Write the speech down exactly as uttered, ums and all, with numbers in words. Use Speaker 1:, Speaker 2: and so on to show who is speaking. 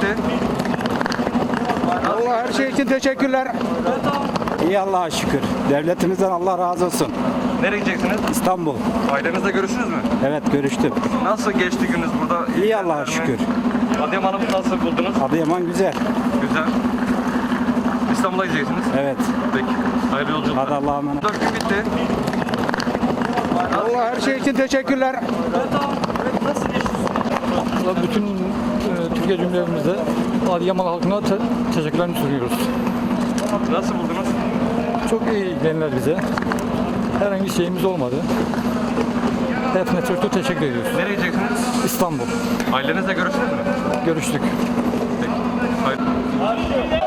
Speaker 1: Allah her şey için teşekkürler. İyi Allah'a şükür. Devletimizden Allah razı olsun.
Speaker 2: Nereye gideceksiniz?
Speaker 1: İstanbul.
Speaker 2: Ailenizle görüştünüz mü?
Speaker 1: Evet görüştüm.
Speaker 2: Nasıl geçti gününüz burada?
Speaker 1: İyi Allah'a şükür.
Speaker 2: Adıyaman'ı nasıl buldunuz?
Speaker 1: Adıyaman güzel.
Speaker 2: Güzel. İstanbul'a gideceksiniz.
Speaker 1: Evet.
Speaker 2: Peki. Hayırlı yolculuklar.
Speaker 1: Hadi Allah'a emanet.
Speaker 2: Dört gün bitti.
Speaker 1: Allah her şey için teşekkürler.
Speaker 3: Bütün e, Türkiye Cumhuriyetimizde Adıyaman halkına te teşekkürlerimi sunuyoruz.
Speaker 2: Nasıl buldunuz?
Speaker 3: Çok iyi ilgilendiler bize. Herhangi bir şeyimiz olmadı. Hepsine çok çok teşekkür ediyoruz.
Speaker 2: Nereye gideceksiniz?
Speaker 3: İstanbul.
Speaker 2: Ailenizle görüştünüz mü?
Speaker 3: Görüştük.
Speaker 2: Peki. Hayır.